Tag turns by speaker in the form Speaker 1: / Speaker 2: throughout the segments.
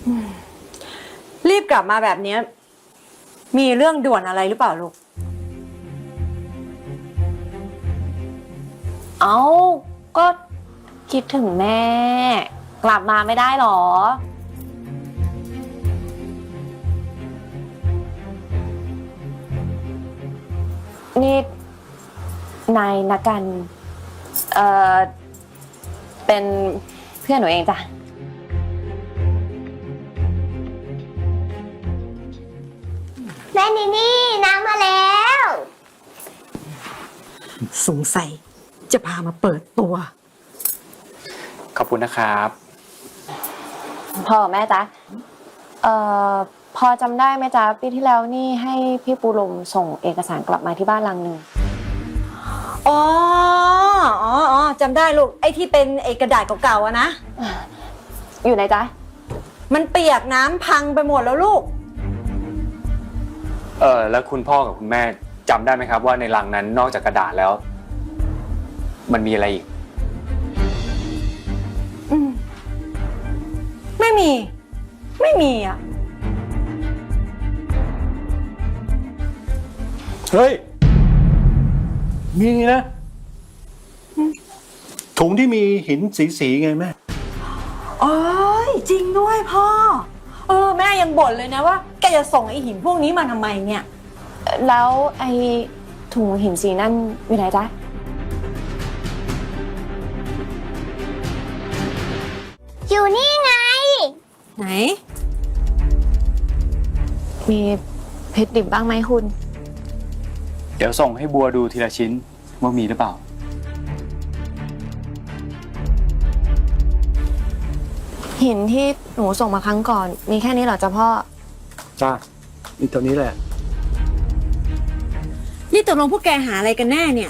Speaker 1: รีบกลับมาแบบนี้มีเรื่องด่วนอะไรหรือเปล่าลูก
Speaker 2: เอาก็คิดถึงแม่กลับมาไม่ได้หรอนี่นายนักกันเป็นเพื่อนหนูเองจ้ะ
Speaker 3: แม่นี่น้ำมาแล้ว
Speaker 1: สงสัยจะพามาเปิดตัว
Speaker 4: ขอบคุณนะครับ
Speaker 2: พ่อกับแม่จ๊ะพอจำได้ไหมจ๊ะปีที่แล้วนี่ให้พี่ปูลมส่งเอกสารกลับมาที่บ้านลังหนึ่ง
Speaker 1: อ๋อจำได้ลูกไอ้ที่เป็นกระดาษเก่าๆอะนะ
Speaker 2: อยู่ไหนจ๊ะ
Speaker 1: มันเปียกน้ำพังไปหมดแล้วลูก
Speaker 4: แล้วคุณพ่อกับคุณแม่จำได้ไหมครับว่าในลังนั้นนอกจากกระดาษแล้วมันมีอะไรอีก
Speaker 1: ไม่มีอ่ะ
Speaker 5: เฮ้ยมีนะถุงที่มีหินสีไงแม่
Speaker 1: โอ้ยจริงด้วยพ่อแม่ยังบ่นเลยนะว่าแกจะส่งไอ้หินพวกนี้มาทำไมเนี่ย
Speaker 2: แล้วไอ้ถุงหินสีนั่นอยู่ไหนจ๊ะ
Speaker 3: อยู่นี่ไง
Speaker 1: ไหน
Speaker 2: มีเพชรดิบบ้างไหมคุณ
Speaker 4: เดี๋ยวส่งให้บัวดูทีละชิ้นว่ามีหรือเปล่า
Speaker 2: หินที่หนูส่งมาครั้งก่อนมีแค่นี้เหรอจ๊ะพ่อ
Speaker 5: จ้ามีตัวนี้แหละ
Speaker 1: นี่ตกลงพวกแกหาอะไรกันแน่เนี่ย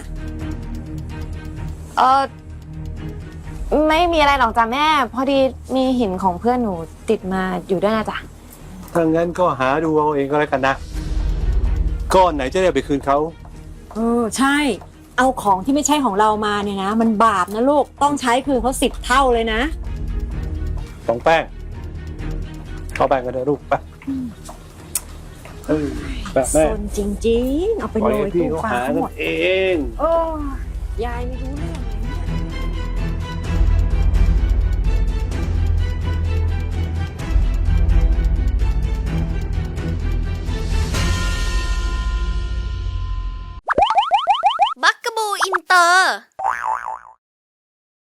Speaker 2: ไม่มีอะไรหรอกจ้ะแม่พอดีมีหินของเพื่อนหนูติดมาอยู่ด้วยนะจ๊ะ
Speaker 5: ถ้างั้นก็หาดูเอาเองก็แล้วกันนะก้อนไหนจะได้ไปคืนเขา
Speaker 1: ใช่เอาของที่ไม่ใช่ของเรามาเนี่ยนะมันบาปนะลูกต้องใช้คืนเขา10 เท่าเลยนะ
Speaker 5: ต้องแป้งเข้าแป้งกันเถอะลูกไปแบบแม่
Speaker 1: จริงๆเอาไปโรยตู้ฟ้าหมด
Speaker 5: เอง
Speaker 1: ยายไม่รู้เรื่อง